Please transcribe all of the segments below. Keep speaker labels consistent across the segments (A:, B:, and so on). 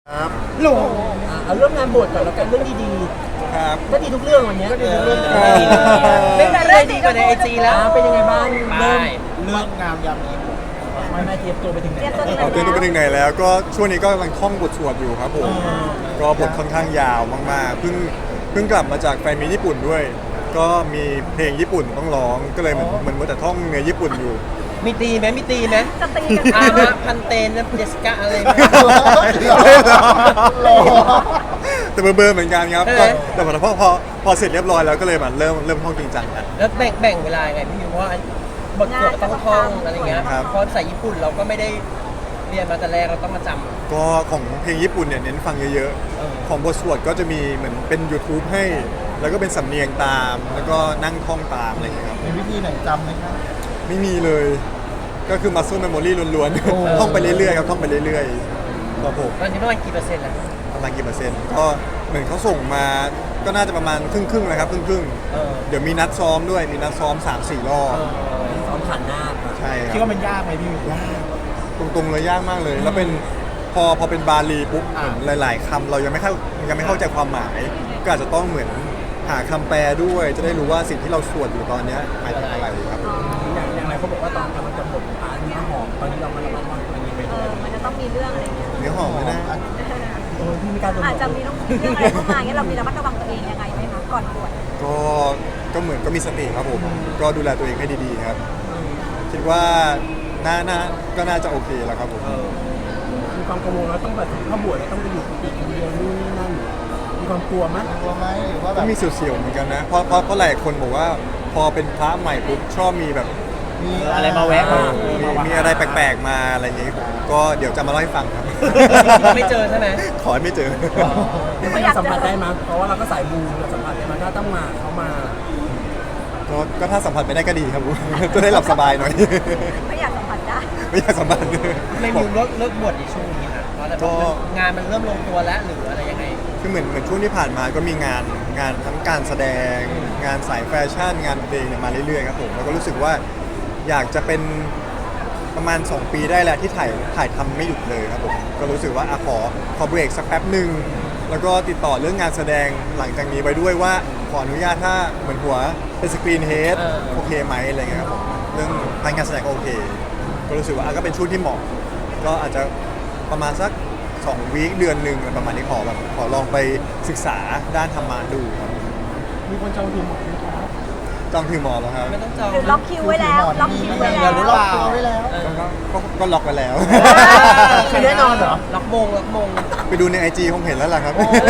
A: ครับ
B: หลงเอาเรื่องงานบวชก่อนแล้วกันเรื่องดี
A: ครับ
B: ๆก็ดีทุกเรื่องวันนี้ก็ดีทุกเรื่อง
C: ไม่มีอะไรดีกว่าในไอจีแล้ว
B: เป็นยังไงบ้างเริ่ม
A: เรื่องงามยามดี
B: ไม่เตรียมตัวไปถึงไหน
A: เอาเตือนตัวไปถึงไหนแล้วก็ช่วงนี้ก็กำลังท่องบทสวดอยู่ครับผมก็บทค่อนข้างยาวมากๆเพิ่งกลับมาจากแฟนมีตญี่ปุ่นด้วย ก็มีเพลงญี่ปุ่นต้องร้องก็เลยเหมือนมัวแต่ท่องเนื้อญี่ปุ่นอยู่
C: มีตีไหมมีตีไหม
D: จะตีกัน
C: อามะพันเตนเยสกะอะไรไหม
A: แต่เบอร์เหมือนกันครับ
C: ใช่ไหม
A: แต่พอเสร็จเรียบร้อยแล้วก็เลยแบบเริ่มท่องจริงจังกัน
C: แล้วแบ่งเวลายังไงพี่มิวเพราะว่าบทสวดต้องท่องอะไรเงี้ย
A: ครับ
C: เพราะภาษาญี่ปุ่นเราก็ไม่ได้เรียนมาแต่แรกเราต้องมาจำ
A: ก็ของเพลงญี่ปุ่นเนี่ยเน้นฟังเยอะ
C: เออ
A: ๆของบทสวดก็จะมีเหมือนเป็น YouTube ให้ แล้วก็เป็นสำเนียงตาม แล้วก็นั่งท่องตามอะไรอย่างเงี้ยครับ
E: มีวิธีไหนจำไหมครับ
A: ไม่มีเลย ก็คือ muscle memory ล้วนๆ ท่องไปเรื่อยๆครับท่องไปเรื่อยๆครับผม
C: ตอนนี้ประมาณกี่เปอร์เซ็นต์แล้ว
A: ประมาณกี่เปอร์เซ็นต์ก็เหมือนเขาส่งมาก็น่าจะประมาณครึ่งๆนะครับครึ่ง
C: เออ
A: ๆเดี๋ยวมีนัดซ้อมด้วยมีนัดซ้อม 3-4 รอบ
B: ซ้อมผ่านหน้าค่ะ
A: ใช่ค
E: คิด
A: รับ
E: ว่ามันยากไหมพี่มิว
A: ตรงๆเลยยากมากเลย แล้วเป็นพอเป็นบาลีปุ๊บเหมือนหลายๆคำเรายังไม่เข้าใจความหมาย ก็อาจจะต้องเหมือนหาคำแปลด้วย จะได้รู้ว่าสิ่งที่เราสวดอยู่ตอนเนี้ยหมายถึงอะไรครับ
B: อย่างไรเขาบอกว่าตอนกำลังจะบวชเนื้อหอมตอนนี้เรามาระมัดระวังตัวเองไปเลย
D: มันจะต้องมีเรื่องอะไรเงี้ย
A: เนื้อหอมเลยนะ
B: พี่ไม่กล้าโดน
D: อาจจะมีต้องเรื่องอะไรเข้ามาเงี้ยเรามีระมัดระวังตัวเองยังไงไหมคะก่อนบวช
A: ก็เหมือนก็มีสติครับผมก็ดูแลตัวเองให้ดีๆครับ คิดว่าก็น่าจะโอเคแล้วครับผม
B: มีความกังวลว่าต้องแบบเข้าบวชแล้วต้องไปอยู่กุฏิคนเดียวนู่นนี่นั่นมีความกลัวไหม
E: กลัวไหมหรือว่าแบ
A: ก็
E: บ
A: มีเสียวๆเหมือนกันนะเพราะหลายคนบอกว่าพอเป็นพระใหม่ปุ๊บชอบมีแบบ
E: มี
C: อะไรมาแวะ
A: มีอะไรแปลกๆมาอะไรอย่างงี้ก็เดี๋ยวจะมาเล่าให้ฟังครับ
C: ไม่เจอใช่ไหม
A: ขอให้ไม่เจอ
B: ไม่อยากสัมผัสได้มั้ยเพราะว่าเราก็สายบูเราสัมผัสได้มั้ยถ้าต้องมาเขามา
A: ก็ถ้าสัมผัสไม่ได้ก็ดีครับ จะได้หลับสบายหน่อย
D: ไม่อยากสัมผัสได้
A: ไม่อยากสัมผัส
C: ไม่มิวเลิกบวชในช่วงนี้ค่ะเพราะแต่งานมันเริ่มลงตัวแล้วหรืออะไรยังไง
A: คือเหมือนช่วงที่ผ่านมาก็มีงานทั้งการแสดง งานสายแฟชั่น งานเพลงเนี่ยมาเรื่อยๆครับผมแล้วก็รู้สึกว่าอยากจะเป็นประมาณ 2 ปีได้แล้วที่ถ่ายทำไม่หยุดเลยครับผมก็รู้สึกว่าขอเบรกสักแป๊บหนึ่งแล้วก็ติดต่อเรื่องงานแสดงหลังจากนี้ไปด้วยว่าขออนุญาตถ้าเหมือนหัวเป็นสกรีนเฮด โอเคไหมอะไรเงี้ยครับผมเรื่องทางการแสดงก็โอเค ก็รู้สึกว่าก็เป็นช่วงที่เหมาะ ก็อาจจะประมาณสัก2 วีคเดือนหนึ่งประมาณนี้ขอลองไปศึกษาด้านธรรมะดูครับ
B: มีคนจองคิวหมดไหมครับ
A: จองคิวหมอแล้วครับ
C: ไม่ต้องจอง
D: หรือล็อกคิวไว้แล้วล็อกคิวไว้
E: มี
D: แล้ว
E: หรือเปล่าไว้แล้ว
A: ก็ล็อกไปแล้ว
B: คือแน่นอนเหรอ
C: ล็อกมง
A: ไปดูใน IG ผมเห็นแล้วล่ะครับ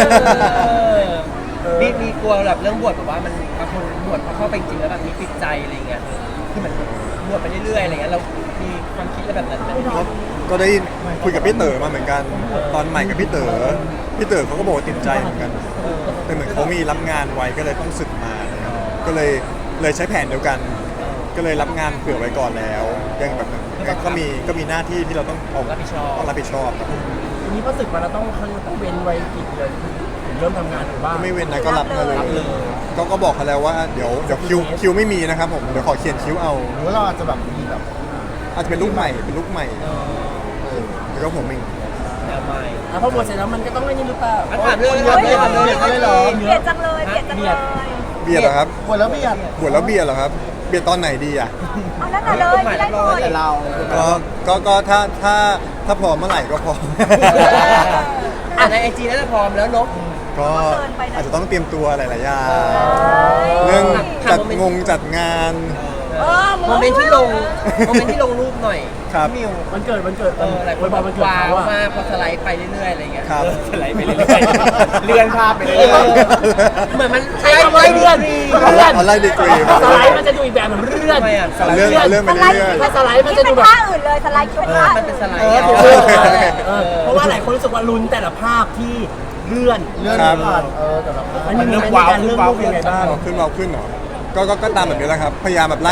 C: มีกลัวแบบเรื่องบวชแบบว่ามันบางคนบวชพอเข้าไปจริงแล้วแบบมีติดใจอะไรเงี้ยคือเหมือนบวชไปเรื่อยๆอะไรเงี้ยเรามีความคิดอะไรแบบนั้นไหม
A: ก็ได้คุยกับพี่เต๋อมาเหมือนกัน ตอนใหม่กับพี่เต๋อเขาก็บอกว่าติดใจเหมือนกัน แต่เหมือนเขามีรับงานไว้ก็เลยต้องสึกมานะครับก็เลยใช้แผนเดียวกัน ก็เลยรับงานเผื่อไว้ก่อนแล้ว ยังแบบก็มีหน้าที่ที่เราต้อง
C: รับผิดชอบ
A: รับผิดชอบครับ
B: ทีนี้พอศึกมาเราต้องเว้นไว้กี่เดือนถึงเริ่มทำงานหรือว่า
A: ก็ไม่เว้นนะก็รับมาเลยก็บอกเขาแล้วว่าเดี๋ยวคิวไม่มีนะครับผมเดี๋ยวขอเขียนคิวเอา
E: หรือว่าเราอาจจะแบบมีแบบ
A: อาจจะเป็นลูกใหม่แล้วก็ผมเอง
C: แนวใหม่
B: พอบวชเสร็จแล้วมันก็ต้องเล่นนี่หรือเปล่า
C: ถามเรื่อง
D: เฮ้ย
C: เรื่อง
D: เบียดจังเลยเบียดจังเลย
A: เบียดเหรอครับ
E: บวชแล้วไม่อยาก
A: บวชแล้วเบียดเหรอครับเบียดตอนไหนดีอ่ะ
D: เอาแล้วแต่เลยไม่ได้หมด
E: แต่เรา
A: ก็ถ้าพร้อมเมื่อไหร่ก็พร้อม
C: ในไอจีน่าจะพร้อมแล้วเนก
A: ก็อาจจะต้องเตรียมตัวหลายๆอย่างเรื่องจัดงาน
C: โมเมนต์ที่ลงรูปหน่อย
A: ครับ
C: มิว
B: วันเกิด
C: หลายค
B: วัน
C: น
B: บบ อ
C: อก
B: วันเกิด
C: ว้าว
B: เขาอะ
C: มากพอสไลด์ไปเรื่อยๆอะไรเงี้ย
A: ครับ
C: สไลด์ไปเรื่อยๆเลื่อนภาพไปเรื่อยๆเหมือนมัน
B: ใช้คำว่าเลื่อน
A: เอาไล่ดีกรีมา
B: สไลด์มันจะดูอีกแบบหนึ่งเลื่อน
C: ทำไมอ่ะ
A: เรื่องไป
D: สไลด์
A: เรื่อย
B: ถ้าสไลด์มัน
D: คิ
B: จะ
D: ด
B: ดู
D: เป็น
B: แบบ
D: ท่าอื่นเลยสไลด์คิดเป็นท่า
C: มันเป็นสไลด์
B: ถูก
A: ๆ
B: เพราะว่าหลายคนรู้สึกว่าลุ้นแต่ละภาพที่เลื่อน
E: เลื่อน
A: ครับ
E: ผ่านแต่ละ
B: อันนี้มีการเลื่อนรูปยังไงบ้าง
A: ขึ้นเหรอก็ตามแบบนี้แหละครับพยายามแบบ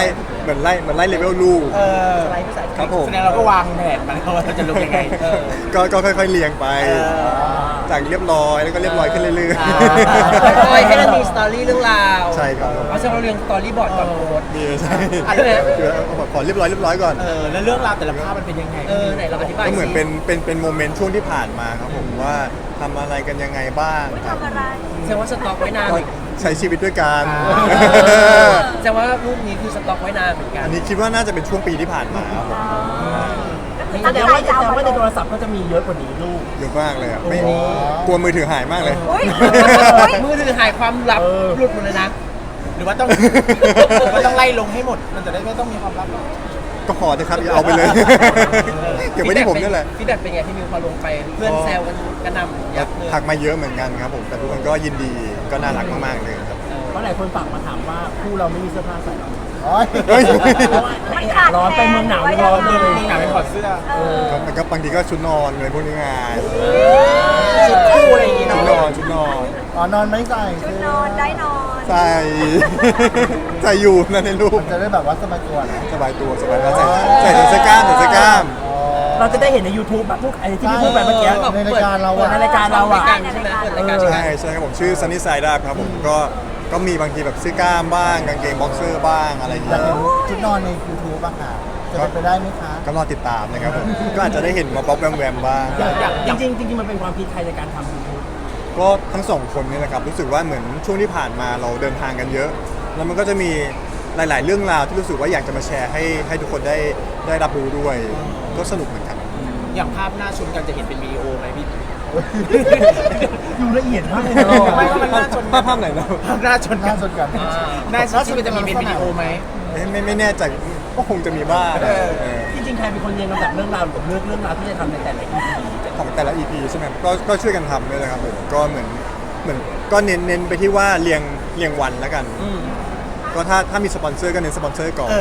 A: เหมือนไล่เลเวลลูก
C: สไลด์ภาษา
A: ครับผม
B: แสดงเราก็วางแผนมาแล้วว่าเราจะลงยังไง
A: ก็ค่อยๆเรียงไป จากเรียบร้อยแล้วก็เรียบร้อยขึ้นเรื่อย
C: คอยให้มันมีสตอรี่เรื่องราว
A: ใช่ครับ
C: เอาเช่นเราเรียงสตอรี่บอร์ดก่อนโพสต์
A: ๆนี่ใช่
C: อะไรนะ
A: คือเอาแบบขอเรียบร้อยก่อน
B: แล้วเรื่องราวแต่ละภาพมันเป็นยังไง
C: ไหนเราอธิบาย
A: ก็เหมือน
C: สิ
A: เป็นโมเมนต์ช่วงที่ผ่านมาครับผมว่าทำอะไรกันยังไงบ้างครับ
D: ทำอะไร
C: แสดงว่าสต็อกไว้นาน
A: ก็ใช้ชีวิตด้วยกัน
C: แสดงว่ารูปนี้คือสต็อกไว้นานเหมือนกัน
A: อันนี้คิดว่าน่าจะเป็นช่วงปีที่ผ่านมาครับผม
D: ก็คือ
B: แส
D: ตั้ง
B: ดง
D: ใจ
B: ว่า
D: จะเอามา
B: ใน
D: ล
B: โท
D: ง
B: รศัพท์ก็จะมีเยอะกว่านี้ลูก
A: เยอะมากเลยอ่ะไม่กลัวมือถือหายมากเลย
D: อุ้ย
C: มือถือหายความลับหลุดหมดเลยนะ
B: หรือว่าต้อง ต้องไล่ลงให้หมด มันจะได้ไม่ต้องมีความลับ
A: ก็ขอเถอะครับอย่าเอาไปเลย เก็บไว้ที่ผมนี่แหละ
C: ฟีดแบ็กเป็นไงที่มิวพอลงไปเพื่อนแซวกันกระหน่ำยับเลย
A: ทักมาเยอะเหมือนกันครับผมแต่ทุกคนก็ยินดีก็น่ารักมากๆเลยครับ
B: เพราะหลายคนฝากมาถามว่าคู่เราไม่มีเสื้อผ้าใส่หรอ
E: โอ้ย
A: เฮ้ย
B: เพราะว่าร้อนไปเมืองหนาวร้อนเลยเมืองหนาวไปถอดเสื้อ
A: มันก็บางทีก็ชุดนอนอะไรพวกนี้ไง
C: ชุดคู่อะไรอย่างงี้
A: ชุด
C: เนาะ
A: นอนชุดนอน
E: อ๋อนอนไม่ใส่
D: ชุดนอนได้นอน
A: ใส่ ใส่อยู่นั่นในรูป
E: มันจะได้แบบว่าสบายตัวนะ
A: สบายตัวสบายแล้วใส่เสื้อกล้ามใส่เสื้อกล้าม
B: เราจะได้เห็นใน YouTube แบบพวกไอ้ที่พี่พูดไปเมื่อกี้
E: ในรายการเราอะ
B: ในรายการเราอะ
C: ใช่ไหมเปิดรายการใช่ไหม
A: ใช่ครับผมชื่อ Sunny Side Up ครับผมก็มีบางทีแบบเสื้อกล้ามบ้างกางเกงบ็อกเซอร์บ้างอะไรอย่าง
E: อยาก
A: เงี้ย
E: เห็นชุดนอนใน YouTube บ้างค่ะจะเป็นไปได้ไหมคะ
A: ก็รอติดตามนะครับผมก็อาจจะได้เห็นมาป๊อปแวมๆบ้าง
B: จริงๆมันเป็นความคิดใครในการทำ YouTube
A: ก็ทั้งสองคนนี่แหละครับรู้สึกว่าเหมือนช่วงที่ผ่านมาเราเดินทางกันเยอะ แล้วมันก็จะมีหลาย ๆ เรื่องราวที่รู้สึกว่าอยากจะมาแชร์ให้ทุกคนได้รับรู้ด้วย ก็สนุกเหมือนกัน
B: อย่างภาพหน้าชนกันจะเห็นเป็นวิดีโอไหมพี่ ดูละเอียดมากเลยนะ
A: ไม่ว่ามันหน้าชนภาพไหนเรา
B: ภาพหน้าชน
E: ห
B: กั
E: น้าน สดกัน
B: หน้าชนกันจะมีเป็นวิดีโอไหม
A: ไม่แน่ใจก็คงจะมีบ้าง
B: จริงๆใครเป็นคนเรียงลำดับเรื่องราวหรือเรื่องราวที่จะทำในแต่ละ EP
A: ของแต่ละ EP ใช่ไหมก็ช่วยกันทำด้วยนะครับผมก็เหมือนก็เน้นไปที่ว่าเรียงวันแล้วกัน ก็ถ้ามีสปอนเซอร์ก็เน้นสปอนเซอร์ก่อน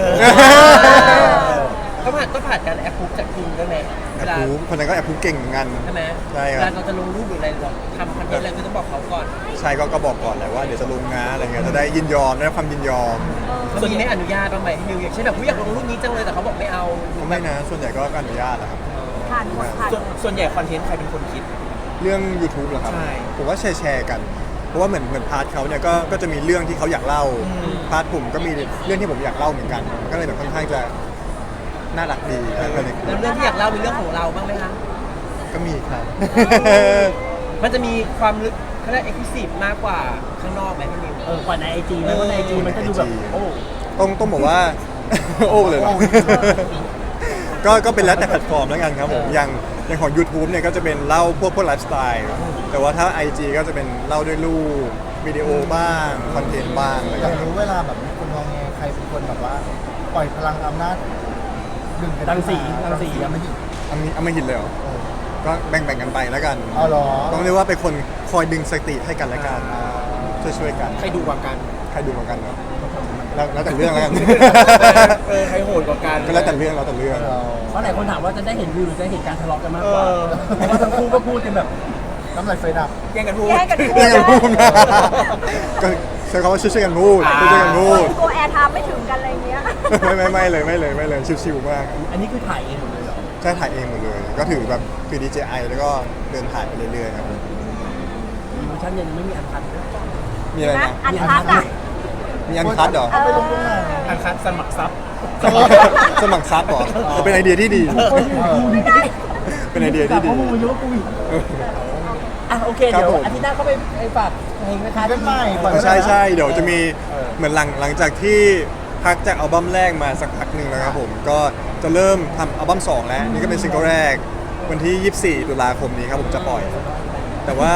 C: ก็ผ่านการแอปพูฟจากคุณด้วยไหม
A: แอบพูคนนั้นก็แอบพูเก่งเหมือนกัน
C: ใช่ไหม
A: ใช่ครับ
C: เวลาเราจะลงรูปหรืออะไรเราทำคอนเทนต์อะไรคือต้องบอกเขาก่อน
A: ใช่ก็บอกก่อนแหละว่าเดี๋ยวจะลงนะอะไรเงี้ยจะได้ยินยอมได้ความยินยอม
C: ส่วนนี้ไม่อนุญาตบ้างไหมให้มิวอย่างเช่นแบบผู้อยากลงรูปนี้จังเลยแต่เขาบอกไม่เอา
A: ก็ไม่นะส่วนใหญ่ก็อนุญาตแหละครับ
D: ผ่านหมดผ่าน
B: ส่วนใหญ่คอนเทนต์ใครเป็นคนคิด
A: เรื่อง YouTube เหรอครับ
B: ใช่
A: ผมว่าแชร์กัน เพราะว่าเหมือนพาร์ทเขาเนี่ยก็จะมีเรื่องที่เขาอยากเล่าพาร์ทผมก็มีเรื่องที่ผมอยากเล่าเหมือนกัน ก็เลยแบบค่อนข้างจะน่ารักดีก็เลย
C: แล้วเรื่องที่อยากเล่าเป็นเรื่องของเราบ้างไหมคะ
A: ก็มีครับ
C: มันจะมีความลึกเขาเรียกเอ็กซ์คลูซีฟมากกว่าข้างนอกไหมพี่มิว
B: กว่าใน IG ไหมเพราะใน IG มันก็ดูแบบโอ้
A: ต้องบอกว่า โอ้เลยเหรอ ก็เป็นแล้วแต่แพลตฟอร์มแล้วกันครับผมอย่างของ YouTube เนี่ยก็จะเป็นเล่าพวกไลฟ์สไตล์แต่ว่าถ้า IG ก็จะเป็นเล่าด้วยรูปวิดีโอบ้างคอนเทนต์บ้างอะไร
E: อยาก
A: เงี้ย
E: รู้เวลาแบบมีคนมองไงใครเป็นคนแบบว่า ปล่อยพลังอำนาจดึงกัน
B: รังสี
E: ยังไม่หยุด
A: เอาไม่หินเลยเหรอก็แบ่งกันไปแล้วกัน
E: เอาเหรอ
A: ต้องเรียกว่าเป็นคนคอยดึงสติให้กันและกันช่วยกัน
B: ใครดูกว่ากัน
A: ใครดูเหมือนกันเนาะแล้วแต่เรื่องแล้วกัน
B: ใครโหดกว่ากัน
A: ก็แล้วแต่เรื่อง
B: เพราะหลายคนถามว่าจะได้เห็นวิวหรือจะเห็นการทะเลาะกันมากกว่าเพราะว่าทั้งคู่ก็พูดกันแบบ
E: น้ำลายไฟดับ
B: แย่งกันพูด
D: แย่งกันพูด
A: เรื่องกันพูดนะก็ใช้คำว่าช่วยกันพูดช่วยกันพูด
D: กลัวแอร์ไทม์ไม่ถึงกันอะไรเงี้ย
A: ไม่เลยชิวๆมาก
B: อันนี้คือถ่ายเองหมดเลยเหรอ
A: ใช่ถ่ายเองหมดเลย ก็ถือแบบคือ DJI แล้วก็เดินถ่ายไปเรื่อยๆครับ
B: มีเวอร์ชันยังไม่มีอันคัน
A: มีอะไร
D: นะ
A: นะ
D: อันคัดอ่ะ
A: มีอันคัดเหรอ
E: เอาไปลงตรงไหน
B: อันคันสมัครซับ
A: สมัครซับเหรอเป็นไอเดียที่ดี เป็นไอเดียที่ดี
B: ข้อมูลเยอะกูอีกอ่ะโอเค
A: ครับ
B: เดี๋ยว
A: ผม
B: อาทิตย์หน้าก็ไปฝากเพลงนะคะ
E: เป็นใหม่ปล่อย
A: ใช่เดี๋ยวจะมีเหมือนหลังจากที่พักจากอัลบั้มแรกมาสักพักหนึ่งแล้วครับผมก็จะเริ่มทำอัลบั้ม2แล้วนี่ก็เป็นซิงเกิลแรกวันที่ 24 ตุลาคมนี้ครับผมจะปล่อย แต่ว่า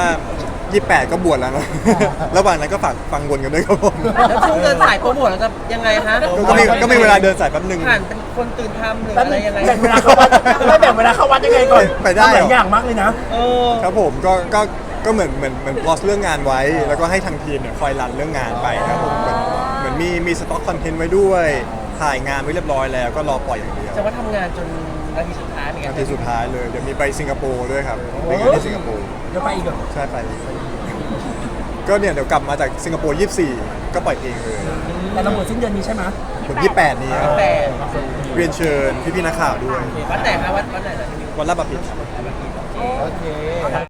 A: 28 ก็บวชแล้วนะ ระหว่างนั้นก็ฝากฟังวนกันด้วยครับผม
C: แล้วช่วงเดินสายโปรโมทเราจะยังไงฮะ
A: ก็มีเวลาเดินสายแป๊บหนึ่ง
C: ผ่านเป็นคนตื่นทำหรืออะไรยังไง
B: แบ่งเวลาเข้าวัดไม่แบ่งเวลาเข้าวัดยังไงก่อน
A: ไปได้เหรอ
B: หลายอย่างมากเลยนะ
C: เออ
A: ครับผมก็เหมือนพอสเรื่องงานไว้ แล้วก็ให้ทางทีมเนี่ยคอยรันเรื่องงานไปครับผมเหมือนมีสต็อกคอนเทนต์ไว้ด้วยถ่ายงานไว้เรียบร้อยแล้วก็รอปล่อยอย่างเดียว
C: จะว่าทำงานจนนาทีสุดท้ายเหมือนกั
A: นาน ทีสุดท้ายเลยเดี๋ยวมีไปสิงคโปร์ด้วยครับไปงานที่สิงคโปร์
B: เดี๋ยวไปอีกเหรอ
A: ใช่ไปก็เนี่ยเดี๋ยวกลับมาจากสิงคโปร์ 24 ก็ปล่อยเพลงเลย
B: แต่เราบวชสิ้นเดือนนี้ใช่ไหม
A: ผม 28 นี้ครับ
C: แต่
A: เรียนเชิญพี่ๆนักข่าวด้วย
C: วัดไหนคะวัดไหนนะ
A: วันลาดบัพพิตร
E: โอเค